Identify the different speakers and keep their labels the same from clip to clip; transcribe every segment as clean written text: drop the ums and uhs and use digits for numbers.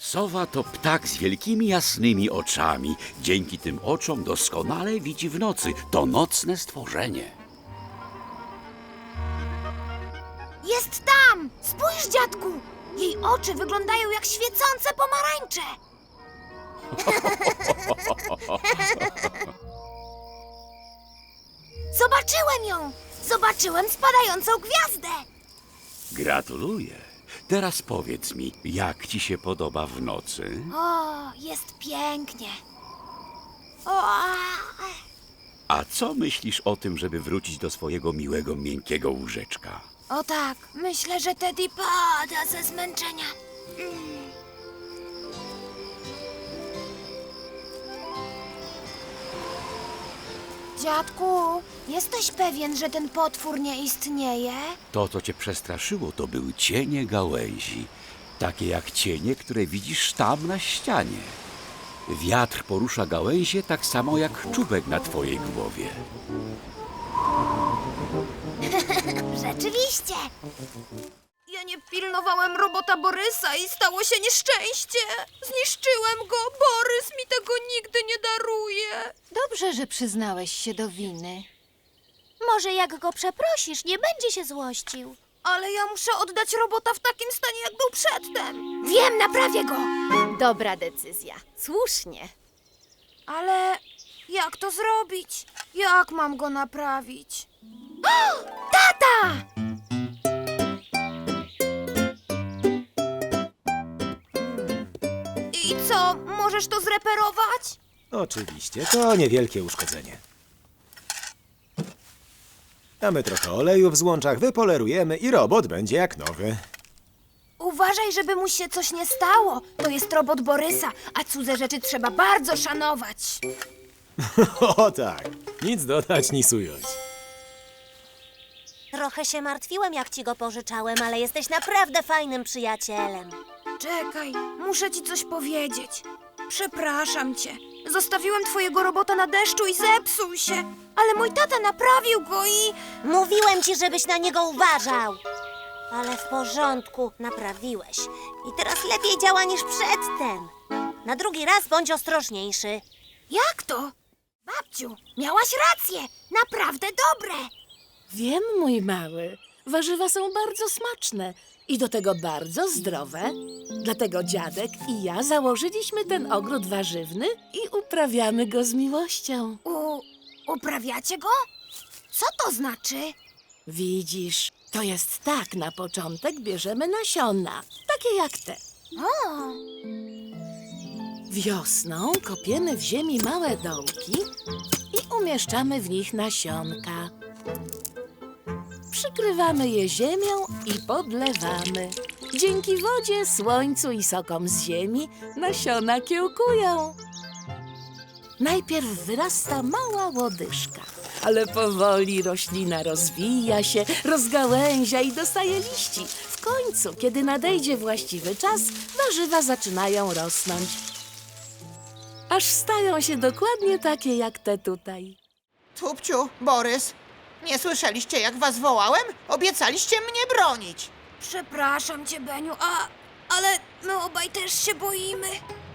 Speaker 1: Sowa to ptak z wielkimi jasnymi oczami. Dzięki tym oczom doskonale widzi w nocy. To nocne stworzenie.
Speaker 2: Jest tam! Spójrz, dziadku! Jej oczy wyglądają jak świecące pomarańcze. Zobaczyłem ją! Zobaczyłem spadającą gwiazdę!
Speaker 1: Gratuluję. Teraz powiedz mi, jak ci się podoba w nocy?
Speaker 2: O, jest pięknie. O,
Speaker 1: A co myślisz o tym, żeby wrócić do swojego miłego, miękkiego łóżeczka?
Speaker 2: o tak, myślę, że Teddy pada ze zmęczenia. Dziadku, jesteś pewien, że ten potwór nie istnieje?
Speaker 1: To, co cię przestraszyło, to były cienie gałęzi. Takie jak cienie, które widzisz tam na ścianie. Wiatr porusza gałęzie tak samo jak czubek na twojej głowie.
Speaker 2: Rzeczywiście. Ja nie pilnowałem robota Borysa i stało się nieszczęście. Zniszczyłem go. Borys mi tego nigdy nie daruje.
Speaker 3: Dobrze, że przyznałeś się do winy.
Speaker 2: Może jak go przeprosisz, nie będzie się złościł. Ale ja muszę oddać robota w takim stanie, jak był przedtem. Wiem, naprawię go.
Speaker 3: Dobra decyzja. Słusznie.
Speaker 2: Ale jak to zrobić? Jak mam go naprawić? O, tata! I co, możesz to zreperować?
Speaker 4: Oczywiście, to niewielkie uszkodzenie. Damy trochę oleju w złączach, wypolerujemy i robot będzie jak nowy.
Speaker 2: Uważaj, żeby mu się coś nie stało. To jest robot Borysa, a cudze rzeczy trzeba bardzo szanować.
Speaker 4: O tak, nic dodać, nic ująć.
Speaker 5: Trochę się martwiłem, jak ci go pożyczałem, ale jesteś naprawdę fajnym przyjacielem.
Speaker 2: Czekaj, muszę ci coś powiedzieć. Przepraszam cię. Zostawiłem twojego robota na deszczu i zepsuł się. Ale mój tata naprawił go i...
Speaker 5: Mówiłem ci, żebyś na niego uważał. Ale w porządku, naprawiłeś. I teraz lepiej działa niż przedtem. Na drugi raz bądź ostrożniejszy.
Speaker 2: Jak to? Babciu, miałaś rację. Naprawdę dobre.
Speaker 6: Wiem, mój mały. Warzywa są bardzo smaczne i do tego bardzo zdrowe. Dlatego dziadek i ja założyliśmy ten ogród warzywny i uprawiamy go z miłością.
Speaker 2: Uprawiacie go? Co to znaczy?
Speaker 6: Widzisz, to jest tak, na początek bierzemy nasiona, takie jak te.
Speaker 2: O,
Speaker 6: Wiosną kopiemy w ziemi małe dołki i umieszczamy w nich nasionka. Przykrywamy je ziemią i podlewamy. Dzięki wodzie, słońcu i sokom z ziemi nasiona kiełkują. Najpierw wyrasta mała łodyżka, ale powoli roślina rozwija się, rozgałęzia i dostaje liści. W końcu, kiedy nadejdzie właściwy czas, warzywa zaczynają rosnąć. Aż stają się dokładnie takie jak te tutaj.
Speaker 7: Tupciu, Borys, nie słyszeliście, jak was wołałem? Obiecaliście mnie bronić.
Speaker 2: przepraszam cię, Beniu, ale my obaj też się boimy.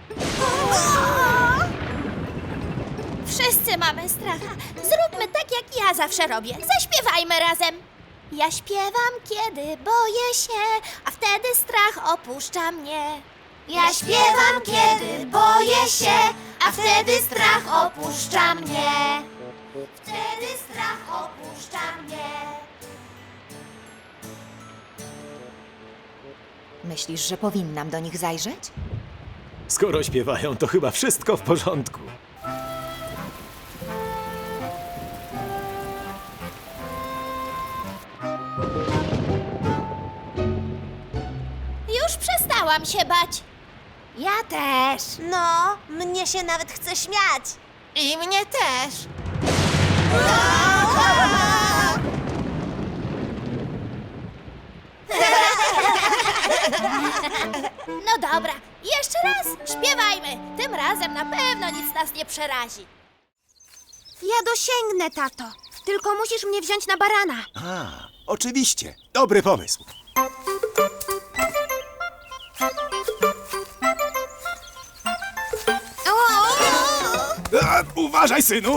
Speaker 8: Wszyscy mamy stracha. Zróbmy tak, jak ja zawsze robię. Zaśpiewajmy razem. Ja śpiewam, kiedy boję się, a wtedy strach opuszcza mnie. Ja śpiewam, kiedy boję się, a wtedy strach opuszcza mnie. Wtedy strach opuszcza mnie.
Speaker 3: Myślisz, że powinnam do nich zajrzeć?
Speaker 4: Skoro śpiewają, to chyba wszystko w porządku.
Speaker 8: Już przestałam się bać.
Speaker 2: Ja też.
Speaker 5: No, mnie się nawet chce śmiać.
Speaker 7: I mnie też.
Speaker 8: No dobra, jeszcze raz śpiewajmy. Tym razem na pewno nic nas nie przerazi.
Speaker 2: Ja dosięgnę, tato. Tylko musisz mnie wziąć na barana.
Speaker 4: A, oczywiście, dobry pomysł. Uważaj, synu!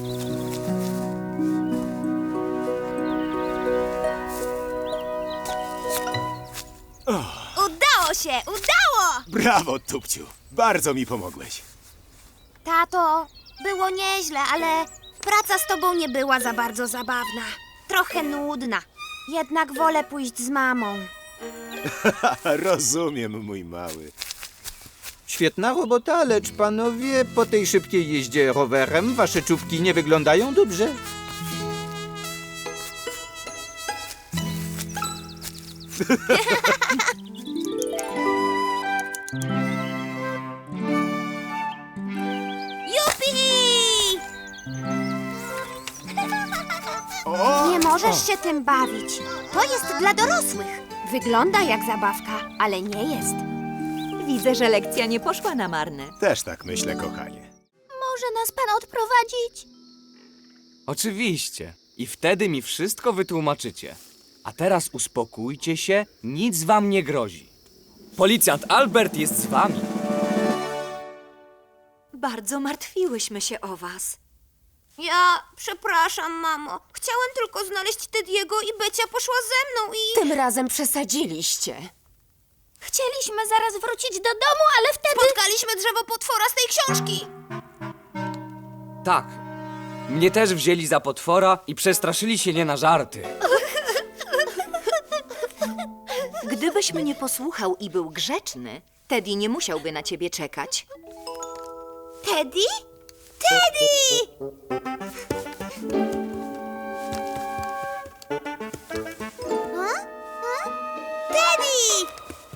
Speaker 2: Udało się, udało!
Speaker 4: Brawo, Tupciu. Bardzo mi pomogłeś.
Speaker 2: Tato, było nieźle, ale praca z tobą nie była za bardzo zabawna. Trochę nudna. Jednak wolę pójść z mamą.
Speaker 4: Rozumiem, mój mały.
Speaker 9: Świetna robota, lecz panowie, po tej szybkiej jeździe rowerem wasze czubki nie wyglądają dobrze.
Speaker 2: Jupi! Nie możesz się tym bawić. To jest dla dorosłych. Wygląda jak zabawka, ale nie jest.
Speaker 3: Widzę, że lekcja nie poszła na marne.
Speaker 4: Też tak myślę, kochanie.
Speaker 8: Może nas pan odprowadzić?
Speaker 10: Oczywiście. I wtedy mi wszystko wytłumaczycie. A teraz uspokójcie się, nic wam nie grozi. Policjant Albert jest z wami.
Speaker 3: Bardzo martwiłyśmy się o was.
Speaker 2: Przepraszam, mamo. Chciałem tylko znaleźć Tediego i Becia poszła ze mną i...
Speaker 3: Tym razem przesadziliście.
Speaker 8: Chcieliśmy zaraz wrócić do domu, ale wtedy...
Speaker 2: Spotkaliśmy drzewo potwora z tej książki.
Speaker 10: Tak. Mnie też wzięli za potwora i przestraszyli się nie na żarty.
Speaker 3: Gdybyś mnie posłuchał i był grzeczny, Teddy nie musiałby na ciebie czekać.
Speaker 2: Teddy? Teddy! Teddy!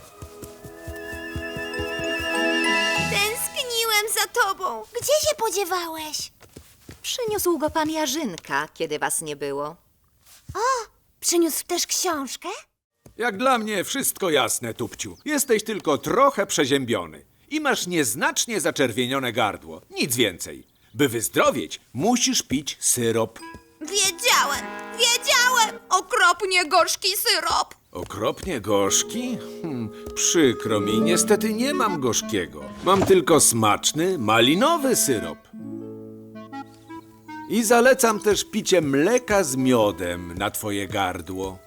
Speaker 2: Tęskniłem za tobą.
Speaker 8: Gdzie się podziewałeś?
Speaker 3: Przyniósł go pan Jarzynka, kiedy was nie było.
Speaker 2: Przyniósł też książkę?
Speaker 11: Jak dla mnie wszystko jasne, Tupciu. Jesteś tylko trochę przeziębiony i masz nieznacznie zaczerwienione gardło. Nic więcej. By wyzdrowieć, musisz pić syrop.
Speaker 2: Wiedziałem! Okropnie gorzki syrop.
Speaker 11: Okropnie gorzki? Przykro mi, niestety nie mam gorzkiego. Mam tylko smaczny, malinowy syrop. I zalecam też picie mleka z miodem na twoje gardło.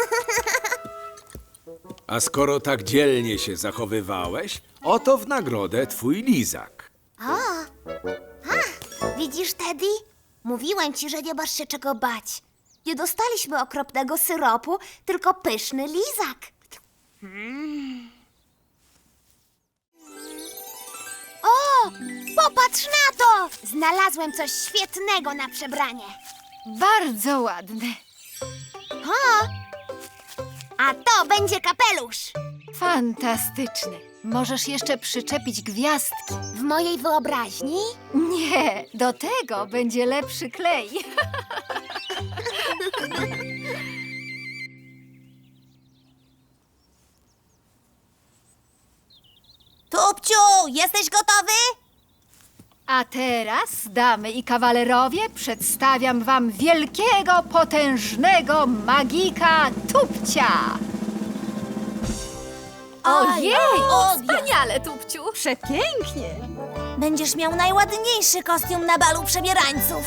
Speaker 11: A skoro tak dzielnie się zachowywałeś, oto w nagrodę twój lizak.
Speaker 8: Widzisz, Teddy? Mówiłem ci, że nie masz się czego bać. Nie dostaliśmy okropnego syropu, tylko pyszny lizak. O, popatrz na to! Znalazłem coś świetnego na przebranie.
Speaker 3: Bardzo ładne.
Speaker 8: A to będzie kapelusz.
Speaker 3: Fantastyczne. Możesz jeszcze przyczepić gwiazdki.
Speaker 8: W mojej wyobraźni?
Speaker 3: Nie, do tego będzie lepszy klej.
Speaker 5: Tupciu, jesteś gotowy?
Speaker 3: A teraz, damy i kawalerowie, przedstawiam wam wielkiego, potężnego magika Tupcia. Ojej! Wspaniale, Tupciu! Przepięknie!
Speaker 5: Będziesz miał najładniejszy kostium na balu przebierańców.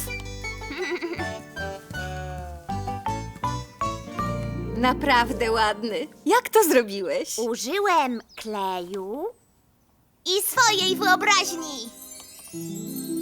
Speaker 3: Naprawdę ładny. Jak to zrobiłeś?
Speaker 8: Użyłem kleju i swojej wyobraźni.